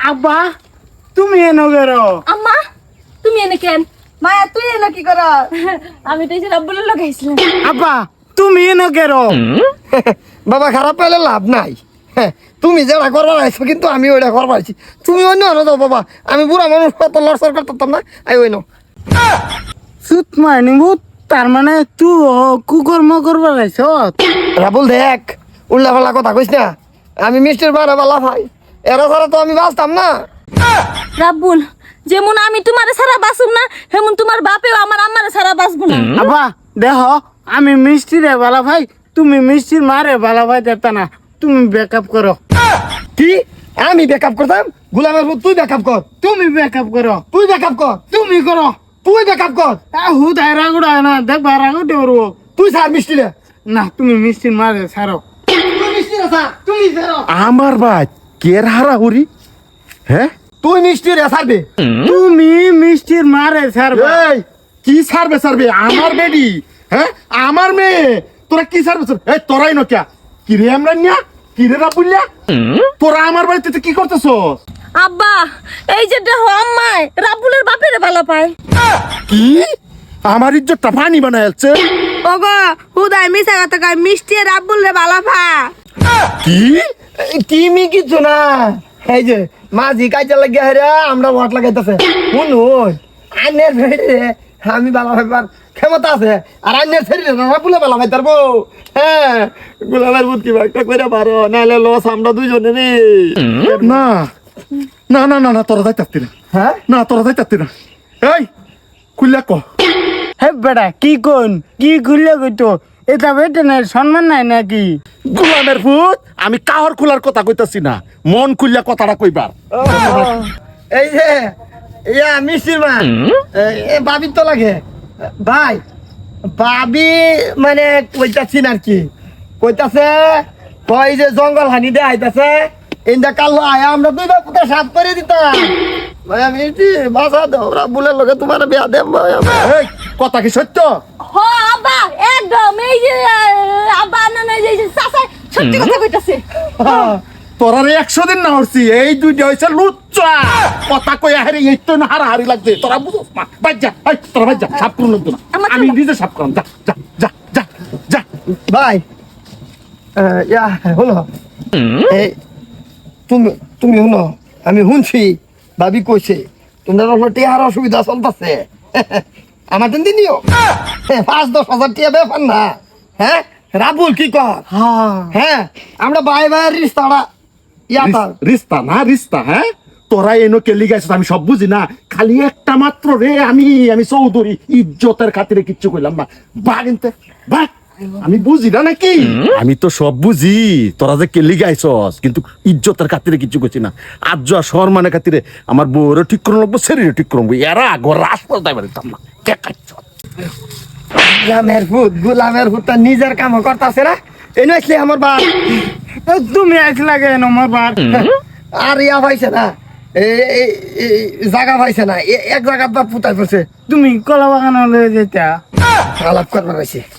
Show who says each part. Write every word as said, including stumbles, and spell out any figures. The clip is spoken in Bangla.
Speaker 1: আব্বা তুমি এনো গেরো
Speaker 2: আম্মা তুমি এনে কেন
Speaker 3: মায়া তুই এনে কি কর?
Speaker 2: আমি তো এই যে রাব্বুলের লাগাইছিলাম।
Speaker 1: আব্বা তুমি এনো গেরো
Speaker 4: বাবা খারাপ পাইলে লাভ নাই। হ্যাঁ, তুমি যেটা করবার আইছো কিন্তু আমি ওইটা করবার আইছি। তুমি অন্য আনো দাও বাবা, আমি বুড়া মানুষ কত লড়সড় করতাম না। আই ওই নো
Speaker 1: সুত মানি ভূত তার মানে তুই কুকর্ম করবার আইছ।
Speaker 4: রাবুল দেখ, উল্লা পাল্লা কথা কইস না। আমি মিষ্টির বানা বালা ভাই, এরা ছাড়া তো আমি বাঁচতাম না।
Speaker 2: রাব্বুল যেমন আমি তোমারে ছাড়া বাঁচুম না হেমন তোমার বাপেও আমার আম্মারে ছাড়া বাঁচবো না।
Speaker 1: আব্বা দেখো আমি মিষ্টিরে বালা ভাই, তুমি মিষ্টির মারে বালা ভাই দেতা না, তুমি ব্যাকআপ করো।
Speaker 4: কি আমি ব্যাকআপ করতাম? গুলামের পুত তুই ব্যাকআপ কর,
Speaker 1: তুমি ব্যাকআপ করো,
Speaker 4: তুই ব্যাকআপ কর,
Speaker 1: তুমি করো।
Speaker 4: তুই ব্যাকআপ কর।
Speaker 1: হুদ রাগুড়া না দেখ রাগুটে করবো।
Speaker 4: তুই স্যার মিষ্টিরে
Speaker 1: না তুমি মিষ্টির মারে ছাড়ো।
Speaker 4: তুই মিষ্টিরে স্যার, তুই ছাড়ো।
Speaker 5: আমার ভাই কের হারাহুরি। হ্যাঁ
Speaker 4: তুই মিষ্টিরে ছাড়বে।
Speaker 1: তুমি মিষ্টির মারে ছাড়বে।
Speaker 5: এই কি সারবে সারবে আমার বেডি? হ্যাঁ আমার মেয়ে, তোরা কি সারবে সারবে? এই তোরাই নকিয়া কি রে আমরা নিয়া কি রে রাবুলিয়া, তোরা আমার বাড়িতে কি করতেছস?
Speaker 2: আব্বা এই যে দেখো আম্মায় রাব্বুলের বাপেরে ভালো পায়।
Speaker 5: কি আমার ইজ্জতটা পানি বানাইছে?
Speaker 3: ওগো হুদাই মিছা কথা কয়, মিষ্টি রাব্বুল রে বালা ভা।
Speaker 5: কি
Speaker 4: কিমি কিছু না, এই যে মাঝি কাজে লাগিয়া হেরে আমরা ভোট লাগাইতেছে। শুনুন আইনের ভেড়ে আমি বালা ভাইবার ক্ষমতা আছে, আর আইনের শরীরে না বলে বালা ভাই তারবো। হ্যাঁ, গোলামের বুধ কি একটা করে পারো, নাহলে লস আমরা দুইজনে রে।
Speaker 5: না না না না না তোরা যাইতাতি না।
Speaker 4: হ্যাঁ
Speaker 5: না তোরা যাইতাতি না। এই খুললা ক
Speaker 1: হে বেটা কি কোন কি খুললে কইতো এটা বেটে নাই সম্মান নাই নাকি?
Speaker 5: গোলামের ভূত, আমি কাহর খোলার কথা কইতাছি না, মন খুললা কথাটা কইবার।
Speaker 4: ও, এই যে ইয়া মিষ্টির মা এ বাবি তো লাগে ভাই, বাবি মানে কইতাছি না আর কি, কইতাছে কই যে জঙ্গল হানি দে আইতাছে ইন্দা কালো আয়া আমরা দুই বাপুকে সাফ করে দিতাম। ভাই আমি বাসা দাও, রাবুলের লগে তোমার বিয়া দেব ভাই।
Speaker 5: এই কথা কি সত্য?
Speaker 2: হ আব্বা একদম এই যে আহ, আব্বা না না এই যে চাচা সত্যি কথা কইতাছে।
Speaker 5: তোরা রে একশো দিন না হরছি, এই দুইটা হইছে লুচ্চা কথা কইয়া হারি, এই তো না হারাহারি লাগছে। তোরা বুঝছ না, বাজ যা, এই তোরা বাজ যা, সাফ করুন লাগতো না,
Speaker 2: আমার
Speaker 5: আমি
Speaker 2: চলো।
Speaker 5: নিজে সাফ করলাম। যা যা যা যা যা।
Speaker 4: ভাই আহ, ইয়া হলো এই তুমি তুমি শুনো, আমি শুনছি ভাবি কইছে তোমরা হলো টিয়ার অসুবিধা চলতেছে। আমার দিন দিনিও পাঁচ দশ হাজার টিয়া ব্যাপার না। হ্যাঁ রাবুল কি কর? হ্যাঁ আমরা ভাই ভাইয়ের রিস্তাটা ইয়াটা
Speaker 5: রিস- রিস্তা না রিস্তা, হ্যাঁ তোরা এনো কেলি গাইছিস আমি সব বুঝি না, খালি একটা মাত্র রে আমি আমি চৌধুরী ইজ্জতের খাতিরে কিচ্ছু কইলাম না। বাগিনতে বাগ আমি বুঝি না নাকি? আমি তো সব বুঝি, তোরা যে কেলি গাইছস কিন্তু ইজ্জতের খাতিরে কিচ্ছু করছি না। আজ যা সম্মানের খাতিরে আমার বউরও ঠিক করে লাগবো, শরীরও ঠিক করে লাগবো। এরা আগর রাস্তা পারিতাম না। কে কাচ্ছ
Speaker 4: গুলামের ভূত, গুলামের ভূত তার নিজের কাম করতেছে না। এনে আসলে আমার বাপ
Speaker 1: তুমি আসলা কেন আমার বার?
Speaker 4: আর ইয়া পাইছে না, এই- এই- এই জায়গা পাইছে না, এ- এক জায়গার বাপ পুতাই পড়ছে।
Speaker 1: তুমি কলা বাগান লয়ে যেতা
Speaker 4: আলাপ করবার পাইছে।